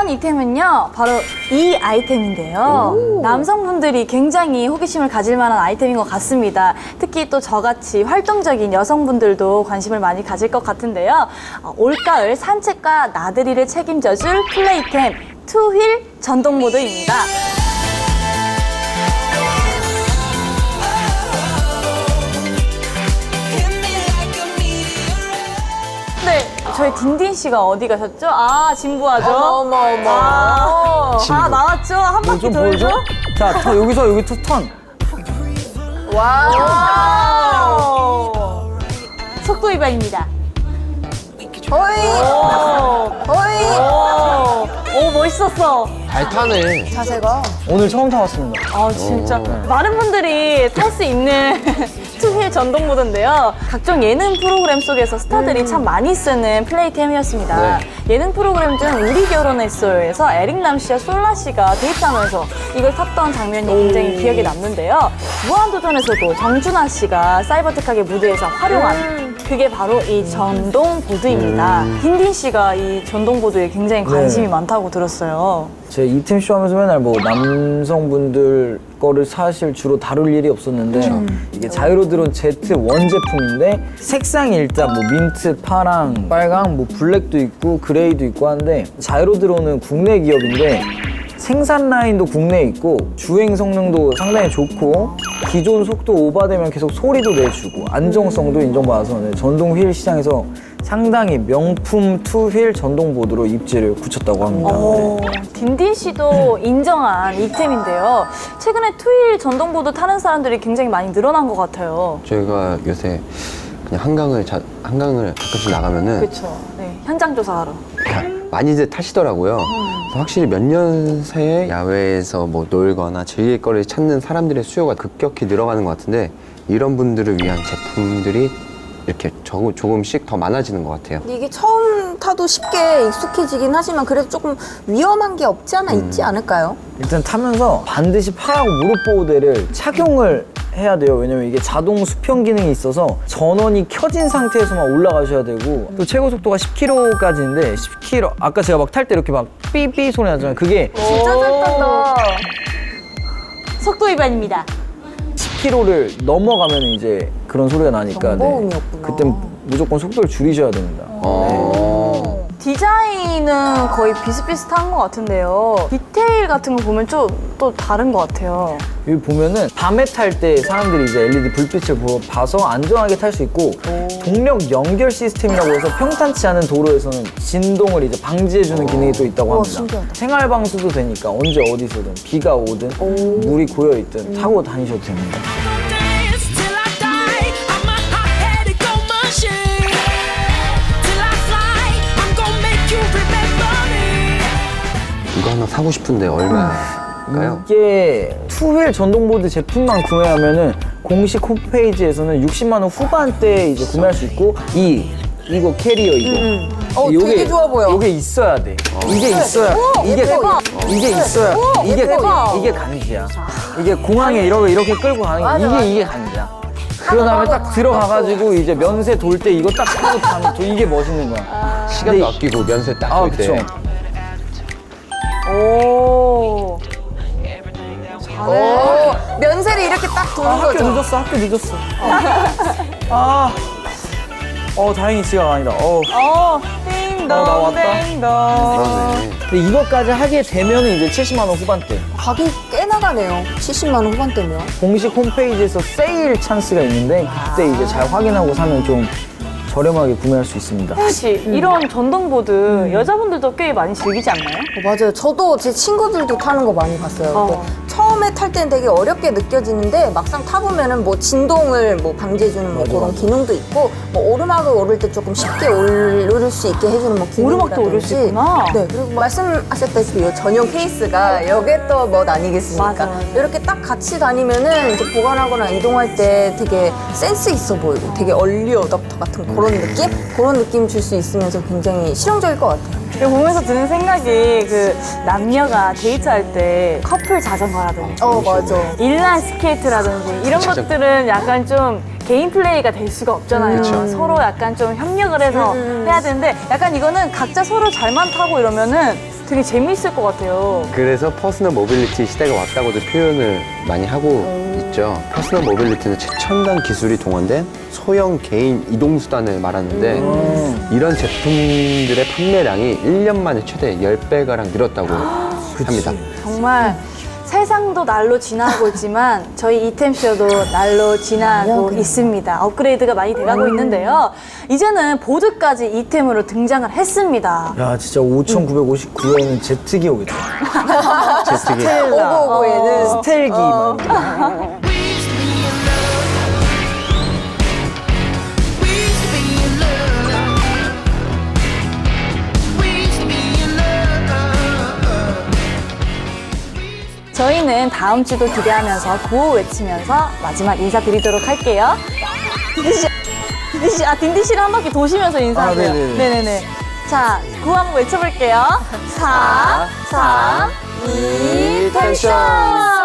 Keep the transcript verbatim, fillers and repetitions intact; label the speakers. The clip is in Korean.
Speaker 1: 이번 이템은요 바로 이 아이템인데요. 남성분들이 굉장히 호기심을 가질 만한 아이템인 것 같습니다. 특히 또 저같이 활동적인 여성분들도 관심을 많이 가질 것 같은데요. 어, 올가을 산책과 나들이를 책임져줄 플레이템 투휠 전동 모드입니다. 네, 저희 딘딘 씨가 어디 가셨죠? 아, 진부하죠?
Speaker 2: 어머, 어머.
Speaker 1: 아, 아 나왔죠? 한 바퀴
Speaker 3: 좀
Speaker 1: 돌죠?
Speaker 3: 보여줘? 자, 턴, 여기서 여기 턴. 턴.
Speaker 1: 와우. 속도 위반입니다.
Speaker 2: 어이! 어이!
Speaker 1: 오, 오, 멋있었어.
Speaker 4: 잘 타네.
Speaker 2: 자세가.
Speaker 3: 오늘 처음 타봤습니다.
Speaker 1: 아, 진짜. 많은 분들이 탈 수 있는 투휠 전동 모드인데요. 각종 예능 프로그램 속에서 스타들이
Speaker 2: 음.
Speaker 1: 참 많이 쓰는 플레이템이었습니다.
Speaker 4: 네.
Speaker 1: 예능 프로그램 중 우리 결혼했어요에서 에릭남 씨와 솔라 씨가 데이트하면서 이걸 탔던 장면이 굉장히 기억에 남는데요. 무한도전에서도 정준하 씨가 사이버텍하게 무대에서 활용한
Speaker 2: 음.
Speaker 1: 그게 바로 이 전동 보드입니다. 딘딘 씨가 이 전동 보드에 굉장히 관심이
Speaker 3: 네.
Speaker 1: 많다고 들었어요.
Speaker 3: 제 이템 쇼 하면서 맨날 뭐 남성분들 거를 사실 주로 다룰 일이 없었는데 이게 자이로드론 제트 원 제품인데 색상이 일단 뭐 민트, 파랑, 빨강, 뭐 블랙도 있고 그레이도 있고 한데 자이로드론은 국내 기업인데 생산 라인도 국내에 있고 주행 성능도 상당히 좋고 기존 속도 오버되면 계속 소리도 내주고 안정성도 인정받아서 네, 전동 휠 시장에서 상당히 명품 투휠 전동 보드로 입지를 굳혔다고 합니다.
Speaker 1: 오, 딘딘 씨도 인정한 이템인데요. 최근에 투휠 전동 보드 타는 사람들이 굉장히 많이 늘어난 것 같아요.
Speaker 4: 저희가 요새 그냥 한강을 자, 한강을 가끔씩 나가면은
Speaker 1: 그렇죠. 네, 현장 조사하러.
Speaker 4: 많이들 타시더라고요. 그래서 확실히 몇 년 새에 야외에서 뭐 놀거나 즐길 거리를 찾는 사람들의 수요가 급격히 늘어가는 것 같은데 이런 분들을 위한 제품들이 이렇게 조, 조금씩 더 많아지는 것 같아요.
Speaker 2: 이게 처음 타도 쉽게 익숙해지긴 하지만 그래도 조금 위험한 게 없지 않아 있지 않을까요?
Speaker 3: 일단 타면서 반드시 팔하고 무릎 보호대를 착용을 해야 돼요. 왜냐면 이게 자동 수평 기능이 있어서 전원이 켜진 상태에서만 올라가셔야 되고 또 최고 속도가 십 킬로미터까지인데 십 킬로미터 아까 제가 막 탈 때 이렇게 막 삐삐 소리 나잖아요. 그게
Speaker 2: 진짜 잘 탄다.
Speaker 1: 속도 위반입니다.
Speaker 3: 십 킬로미터를 넘어가면 이제 그런 소리가 나니까
Speaker 2: 경보음이었구나.
Speaker 3: 그때 무조건 속도를 줄이셔야 됩니다.
Speaker 4: 어...
Speaker 1: 디자인은 거의 비슷비슷한 것 같은데요. 디테일 같은 거 보면 좀 또 다른 것 같아요.
Speaker 3: 여기 보면은 밤에 탈 때 사람들이 이제 엘이디 불빛을 보- 봐서 안전하게 탈 수 있고 동력 연결 시스템이라고 해서 평탄치 않은 도로에서는 진동을 이제 방지해주는 기능이 또 있다고
Speaker 2: 우와,
Speaker 3: 합니다.
Speaker 2: 신기하다.
Speaker 3: 생활 방수도 되니까 언제 어디서든 비가 오든 물이 고여 있든 타고 다니셔도 됩니다.
Speaker 5: dance till I die. I'm a hot-headed gold machine. Till I fly, I'm gonna make you remember me.
Speaker 4: 이거 하나 사고 싶은데 얼마일까요?
Speaker 3: 이게 투휠 전동보드 제품만 구매하면은 공식 홈페이지에서는 육십만 원 후반대에 이제 구매할 수 있고 이 이거 캐리어 이거.
Speaker 2: 어, 되게 좋아 보여.
Speaker 3: 요게 있어야 돼. 이게 있어야. 이게
Speaker 2: 대박.
Speaker 3: 이게 있어야. 이게
Speaker 2: 대박.
Speaker 3: 이게 간지야. 이게 공항에 이렇게 이렇게 끌고 가는 게 이게 이게 간지야. 그런 다음에 딱 들어가가지고 이제 면세 돌 때 이거 딱 타고 가면 또 이게 멋있는 거야.
Speaker 4: 시간도
Speaker 3: 근데
Speaker 4: 아끼고 면세 딱
Speaker 3: 아
Speaker 4: 볼 때.
Speaker 3: 그쵸.
Speaker 1: 오.
Speaker 2: 오, 면세를 이렇게 딱 도는
Speaker 3: 아, 학교
Speaker 2: 거죠.
Speaker 3: 늦었어. 학교 늦었어. 아. 어 다행히 지각 아니다. 어.
Speaker 1: 어,
Speaker 3: 어, 나 왔다.
Speaker 1: 띵동, 띵동.
Speaker 4: 그러네.
Speaker 3: 근데 이것까지 하게 되면은 이제 칠십만 원 후반대.
Speaker 2: 가격이 꽤 나가네요. 칠십만 원 후반대면.
Speaker 3: 공식 홈페이지에서 세일 찬스가 있는데 그때 이제 잘 확인하고 사면 좀 저렴하게 구매할 수 있습니다.
Speaker 1: 혜연 씨, 이런 전동보드 여자분들도 꽤 많이 즐기지 않나요?
Speaker 2: 어, 맞아요. 저도 제 친구들도 타는 거 많이 봤어요.
Speaker 1: 어.
Speaker 2: 근데 처음에 탈 때는 되게 어렵게 느껴지는데 막상 타보면은 뭐 진동을 뭐 방지해주는 뭐 그런 기능도 있고 뭐 오르막을 오를 때 조금 쉽게 오를 수 있게 해주는 뭐 기능이라든지.
Speaker 1: 오르막도 오를 수 있구나.
Speaker 2: 네. 그리고 말씀하셨다시피 이 전용 케이스가 이게 또 멋 아니겠습니까?
Speaker 1: 맞아.
Speaker 2: 이렇게 딱 같이 다니면은 이제 보관하거나 이동할 때 되게 센스 있어 보이고 되게 얼리 어답터 같은 그런 느낌? 그런 느낌 줄 수 있으면서 굉장히 실용적일 것 같아요.
Speaker 1: 이거 보면서 드는 생각이 그 남녀가 데이트할 때 커플 자전거라든지
Speaker 2: 어, 맞아.
Speaker 1: 인라인 스케이트라든지 이런
Speaker 4: 자전거.
Speaker 1: 것들은 약간 좀 개인 플레이가 될 수가 없잖아요.
Speaker 4: 그쵸.
Speaker 1: 서로 약간 좀 협력을 해서 해야 되는데 약간 이거는 각자 서로 잘만 타고 이러면은 되게 재미있을 것 같아요.
Speaker 4: 그래서 퍼스널 모빌리티 시대가 왔다고도 표현을 많이 하고 있죠. 퍼스널 모빌리티는 최첨단 기술이 동원된 소형 개인 이동수단을 말하는데 이런 제품들의 판매량이 일 년 만에 최대 십 배가량 늘었다고 합니다.
Speaker 1: 정말 세상도 날로 지나고 있지만 저희 이템쇼도 날로 지나고 있습니다. 업그레이드가 많이 돼가고 있는데요. 이제는 보드까지 이템으로 등장을 했습니다.
Speaker 3: 야 진짜 오천구백오십구 회에는 제트기 오겠다.
Speaker 4: 제트기.
Speaker 2: 오고오고에는
Speaker 3: 스텔기 막 이런 거.
Speaker 5: We used to be in love. We used to be in love.
Speaker 1: 저희는 다음 주도 기대하면서 구호 외치면서 마지막 인사드리도록 할게요. 딘디씨, 딘디씨, 아 딘디씨를 한 바퀴 도시면서 인사하세요.
Speaker 3: 아, 네네네.
Speaker 1: 네네네. 자, 구호 한번 외쳐볼게요. 사, 삼, 이, 텐션!